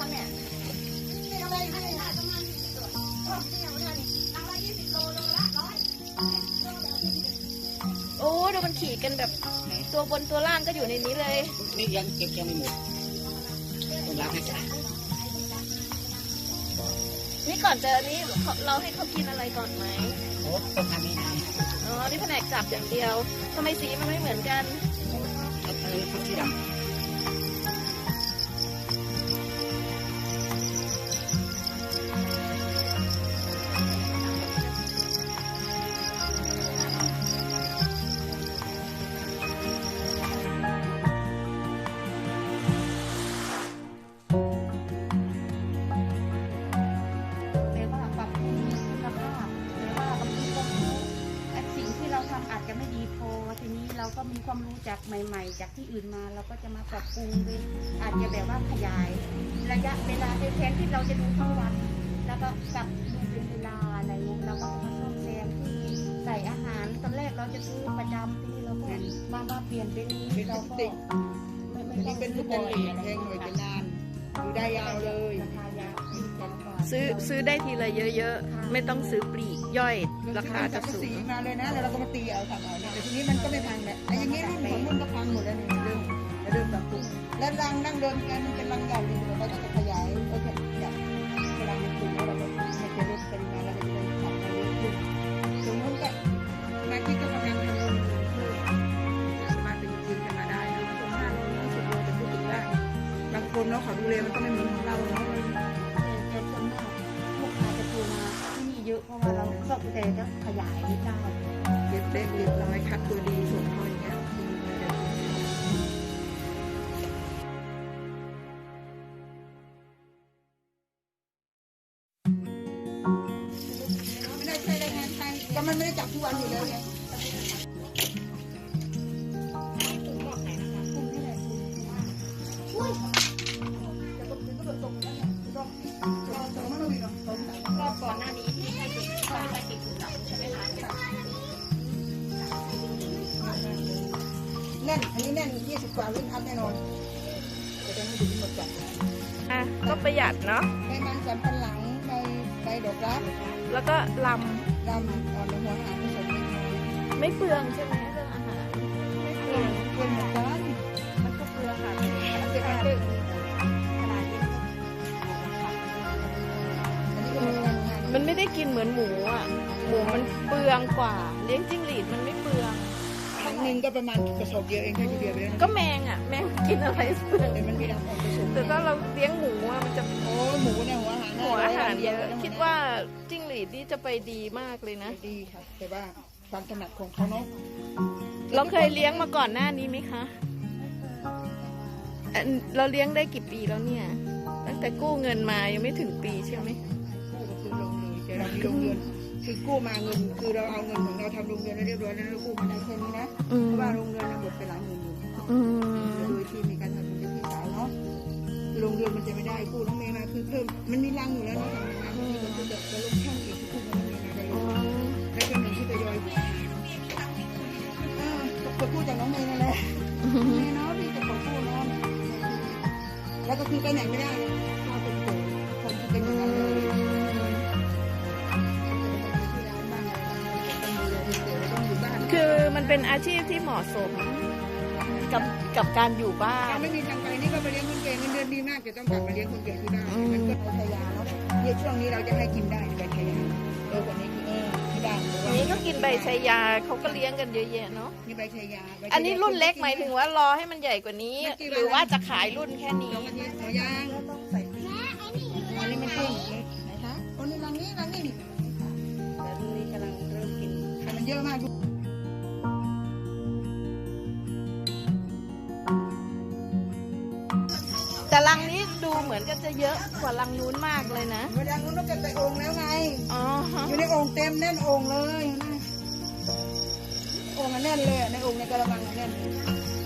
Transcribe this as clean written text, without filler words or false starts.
เนี่ยนี่อะไรให้ได้ประมาณ20 ตัวนี่เอาได้รังละ20 โลโลละ100โอ้ดูมันขี่กันแบบตัวบนตัวล่างก็อยู่ในนี้เลยนี่ยังเก็บยังไม่หมดต้องล้างให้สะอาดนี่ก่อนเจอนี้เราให้เขากินอะไรก่อนไหมโอ้ต้องทำให้ได้อ๋อนี่แผนกจับอย่างเดียวทำไมสีมันไม่เหมือนกันเขาที่ดำอาจจะไม่ดีพอทีนี้เราก็มีความรู้จากใหม่ๆจากที่อื่นมาเราก็จะมาปรับปรุงเลยอาจจะแบบว่าขยายระยะเวลาแทนที่เราจะดูทั้งวันแล้วก็กลับดูเป็นเวลาอะไรเงี้ยเราก็มาซ่อมแซมที่ใส่อาหารตอนแรกเราจะซื้อประจำที่เราก็มาเปลี่ยนเป็นเราก็ไม่เป็นทุกคนแพงหน่อยจะนานอยู่ได้ยาวเลยราคายาวซื้อได้ทีละเยอะๆไม่ต้องซื้อปลีกย่อยราคาจะสูงมาเลยนะแล้วเราก็มาตีเอาทำเอาเนี่ยแต่ทีนี้มันก็ไม่พังแหละไอ้อย่างนี้รุ่นของรุ่นก็พังหมดแล้วเนี่ยเริ่มปรับปรุงแล้วรังนั่งเดินกันมันเป็นรังใหญ่เลยเราก็จะขยายก็จะอยากเวลามันถึงแล้วเราก็ให้จะลดปริมาณแล้วก็จะได้ทำได้เยอะขึ้นสมมติก็มาที่ก็กำลังทำเพิ่มสามารถเป็นจริงกันมาได้นะคนห้าโล20 โลจะพูดถึงว่าบางคนเนาะเขาดูแลมันก็ไม่เหมือนของเราเนาะแต่ส่วนมากลูกค้าจะโทรมาที่นี่เยอะเพราะว่าเราซ่อมแต่ก็ขยายไม่ได้เก็บเล็กเรียบร้อยคัดตัวดีส่งเขาอย่างเงี้ยไม่ได้ใช้แรงงานไทยแต่มันไม่ได้จับทุกวันอยู่แล้วไงก็ก่อนหน้านี้ที่ให้ติดต้องไปติดถุงหลังใช่ไหมคะแน่นอันนี้แน่น20 กว่าลิ้นอัพแน่นอนจะได้ไม่ถึงหมดจัดก็ประหยัดเนาะใบมันสำปะหลังใบดอกรักแล้วก็ลำอ่อนหัวหางผสมไม่เปลืองใช่ไหมเรื่องอาหารไม่เปลืองเหมือนกันมันก็เปลืองค่ะมันเป็นอะไรมันไม่ได้กินเหมือนหมูอ่ะหมูมันเปลืองกว่าเลี้ยงจิ้งหรีดมันไม่เปลืองครั้งหนึ่งก็ประมาณกระสอบเดียวเองแค่ทีเดียวไปแล้วก็แมงอ่ะแมงกินอะไรเปลืองแต่มันมีดำออกผสมแต่ถ้าเราเลี้ยงหมูอ่ะมันจะโอ้หมูเนี่ยหัวอาหารเยอะคิดว่าจิ้งหรีดนี่จะไปดีมากเลยนะดีค่ะแต่ว่าความถนัดของเขาเนาะเราเคยเลี้ยงมาก่อนหน้านี้ไหมคะเราเลี้ยงได้กี่ปีแล้วเนี่ยตั้งแต่กู้เงินมายังไม่ถึงปีใช่ไหมกู้ก็คือลงเลยแต่เรามีโรงเรือนคือกู้มาเงินคือเราเอาเงินของเราทำโรงเรือนเรียบร้อยแล้วเรากู้มาได้แค่นี้นะเพราะว่าโรงเรือนเราหมดไปหลายหมื่นอยู่โดยที่มีการทำเป็นพี่สาวเนาะคือโรงเรือนมันจะไม่ได้กู้น้องเมย์มาคือเพิ่มมันมีรังอยู่แล้วเนาะทำงานที่มันจะเดือดจะลงช่างเองกู้มาน้องเมย์มาได้เลยแล้วเป็นหนึ่งที่ทยอยก็กู้จากน้องเมย์นั่นแหละเมย์เนาะพี่จะขอกู้เนาะแล้วก็คือไปไหนไม่ได้เราเป็นโสดคนที่เป็นอย่างนั้นเลยคือมันเป็นอาชีพที่เหมาะสมกับการอยู่บ้านไม่มีทางไปนี่ก็ไปเลี้ยงคนแก่เงินเดือนดีมากจะต้องกลับมาเลี้ยงคนแก่ที่บ้านมันก็ใบชายาเนาะเนี่ยช่วงนี้เราจะให้กินได้ใบชายาคนนี้ที่บ้านนี้ก็กินใบชายาเขาก็เลี้ยงกันเยอะแยะเนาะนี่ใบชายาอันนี้รุ่นเล็กหมายถึงว่ารอให้มันใหญ่กว่านี้หรือว่าจะขายรุ่นแค่นี้หัวยางต้องใส่อันนี้มันพุ่งไหนคะคนนี้รังนี้แต่รุ่นนี้กำลังเริ่มกินมันเยอะมากแต่รังนี้ดูเหมือนกันจะเยอะกว่ารังนู้นมากเลยนะรังนู้นต้องเก็บใส่โอ่งแล้วไงอยู่ในโอ่งเต็มแน่นโอ่งเลยโอ่งแน่นเลยในโอ่งในกระมังแน่น